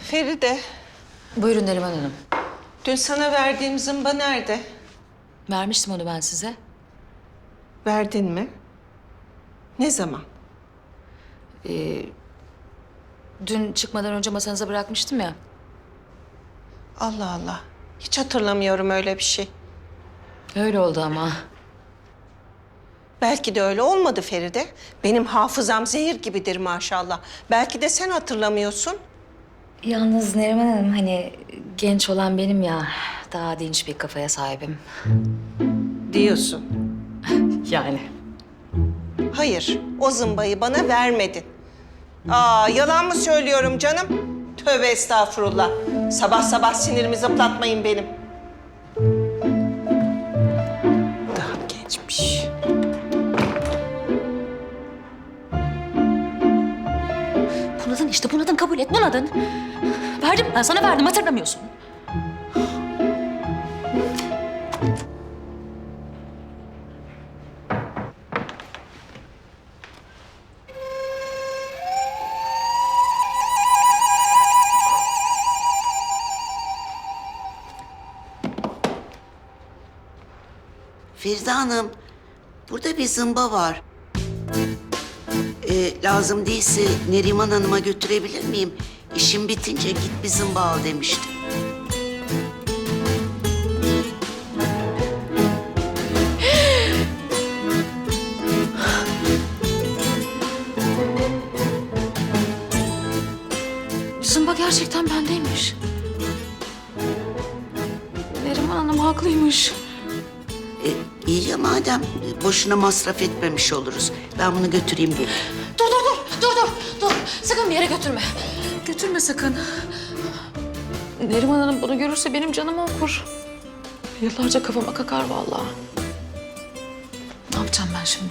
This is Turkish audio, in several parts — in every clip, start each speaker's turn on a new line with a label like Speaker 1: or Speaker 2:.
Speaker 1: Feride,
Speaker 2: Buyurun Neriman Hanım.
Speaker 1: dün sana verdiğim zımba nerede?
Speaker 2: Vermiştim onu ben size.
Speaker 1: Verdin mi? Ne zaman?
Speaker 2: Dün çıkmadan önce masanıza bırakmıştım ya.
Speaker 1: Allah Allah. Hiç hatırlamıyorum öyle bir şey.
Speaker 2: Öyle oldu ama.
Speaker 1: Belki de öyle olmadı Feride. Benim hafızam zehir gibidir maşallah. Belki de sen hatırlamıyorsun.
Speaker 2: Yalnız Neriman Hanım hani genç olan benim ya. Daha dinç bir kafaya sahibim.
Speaker 1: Diyorsun.
Speaker 2: Yani.
Speaker 1: Hayır, o zımbayı bana vermedin. Aa, yalan mı söylüyorum canım? Tövbe estağfurullah. Sabah sabah sinirimi zıplatmayın benim. Daha gençmiş.
Speaker 2: Bunadın işte bunadın kabul et bunadın. Verdim ben sana verdim hatırlamıyorsun.
Speaker 3: Feride Hanım, burada bir zımba var. Lazım değilse Neriman Hanım'a götürebilir miyim? İşim bitince git bir zımba al demiştim.
Speaker 2: Zımba gerçekten bendeymiş. Neriman Hanım haklıymış.
Speaker 3: İyi ya madem boşuna masraf etmemiş oluruz. Ben bunu götüreyim geleyim.
Speaker 2: Dur. Sakın bir yere götürme. Götürme sakın. Neriman Hanım bunu görürse benim canımı okur. Yıllarca kafama kakar vallahi. Ne yapacağım ben şimdi?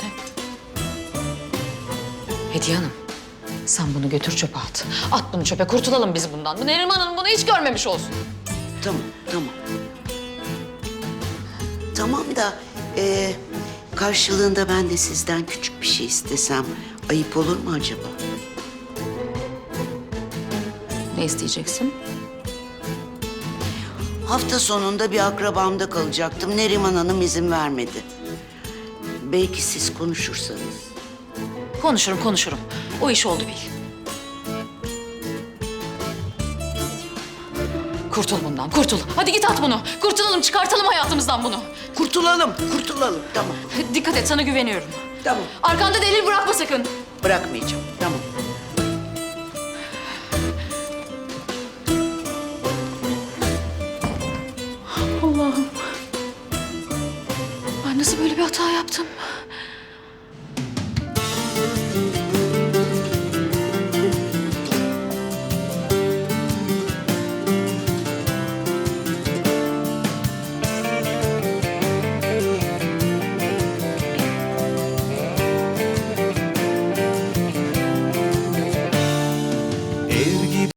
Speaker 2: Hediye Hanım, sen bunu götür çöpe at. At bunu çöpe, kurtulalım biz bundan. Bu Neriman Hanım bunu hiç görmemiş olsun.
Speaker 3: Tamam. Tamam da karşılığında ben de sizden küçük bir şey istesem ayıp olur mu acaba?
Speaker 2: Ne isteyeceksin?
Speaker 3: Hafta sonunda bir akrabamda kalacaktım. Neriman Hanım izin vermedi. Belki siz konuşursanız.
Speaker 2: Konuşurum. O iş oldu bil. Kurtul bundan, kurtul. Hadi git at bunu. Kurtulalım, çıkartalım hayatımızdan bunu.
Speaker 3: Kurtulalım. Tamam.
Speaker 2: Dikkat et, sana güveniyorum.
Speaker 3: Tamam.
Speaker 2: Arkanda delil bırakma sakın.
Speaker 3: Bırakmayacağım. Tamam.
Speaker 2: Allah'ım. Ben nasıl böyle bir hata yaptım?